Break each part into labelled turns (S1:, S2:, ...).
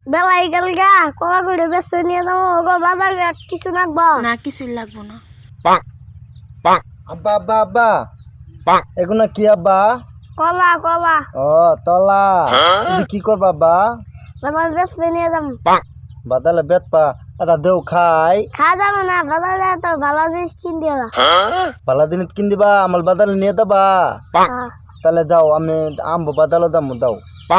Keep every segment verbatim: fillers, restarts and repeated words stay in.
S1: বেলাই গেল গা কলা করে ব্যস্ত নিয়ে যাবো ওগো বাজার ঘাট কিছু লাগবো
S2: না কিছুই লাগবো না।
S3: আব্বা আব্বা আব্বা এগুলো কি আব্বা?
S1: কলা কলা
S3: ও তলা তুমি কি করবা আব্বা?
S1: বাজার ব্যস্ত নিয়ে যাবো
S3: বাদালে বেত পা এটা দেও খাই
S1: খাওয়া যাবে না বাজারে তো ভালো জিনিস কিন দিয়ে যা।
S3: পালা দিন কিন দিবা আমার বাদালে নিয়ে দেবা
S1: হ্যাঁ।
S3: তাহলে যাও আমি আম্ব বাদালো দাম দাও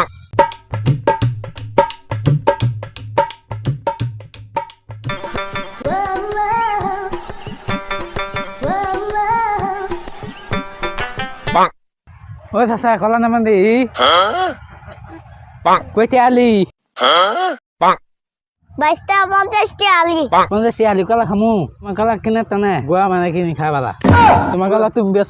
S4: ও চাচা কলা নামান দি কইতে আলি
S1: বাইশটা পঞ্চাশটি আলি
S4: পঞ্চাশ আলি কলা খামু তোমার কলা কিনে টানে গোয়া মানে কিনি খাই পালা তোমার কলা তুমি বেছ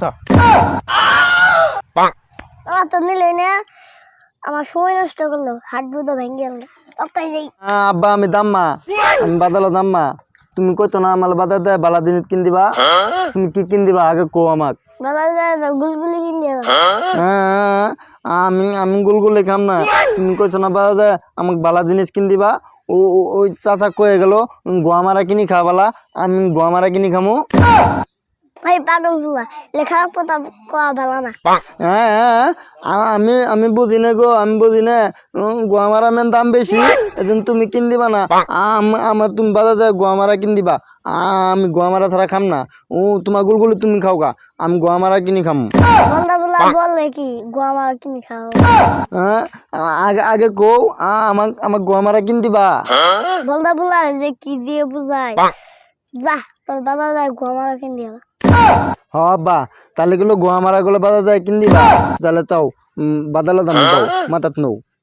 S1: আমার তো নিলে না আমার সময় নষ্ট করলো হাত দুটো ভেঙে গেল তাই যাই
S3: আব্বা আমি দাম্মা আমি বাদালো দাম্মা তুমি কইতো না আমার বাদার দেয় বালা দিন কিন দিবা তুমি কি কিন দিবা আগে কো আমাক
S1: বাজারে গুলগুলি কিন দিয়ে যা।
S3: হ্যাঁ, আমি আমি গুলগুলি খাম না তুমি কইছো না বাবা যে আমাকে বালা জিনিস কিন দিবা ও ও- ওই চাচা কয়ে গেল গোয়ামারা কিনি খাবালা আমি গোয়ামারা কিনি খামু
S1: ভাই পাগল গুলা লেখা পড়া কোয়া ভালো না
S3: হ্যাঁ হ্যাঁ, আ- আমি আমি বুঝি না গো আমি বুঝি না উম, গোয়ামারা মেন দাম বেশি এজন্য তুমি কিন দিবা না আম- আমার তুমি বাজার যায় গোয়ামারা কিন দিবা আ- আমি গোয়ামারা ছাড়া খাম না ও তোমার গুলগুলি তুমি খাও গা আমি গোয়ামারা কিনি খাম
S1: বন্ধা বলা বললে কি গোয়ামার কিনে খাও
S3: হ্যাঁ আ- আগে আগে কো আমাক আমাক গোয়ামারা কিন দিবা
S1: বন্ধা বলা যে কি দিয়ে বুঝায় যা তোর বাজারে গোয়ামার কিন দিয়ে যা।
S3: হ বা তাহলে গুলো গোয়ামারা গুলো বাজার যায় কিন দিবা তাহলে চাও বাদালো দাম দাও মাথাত নৌ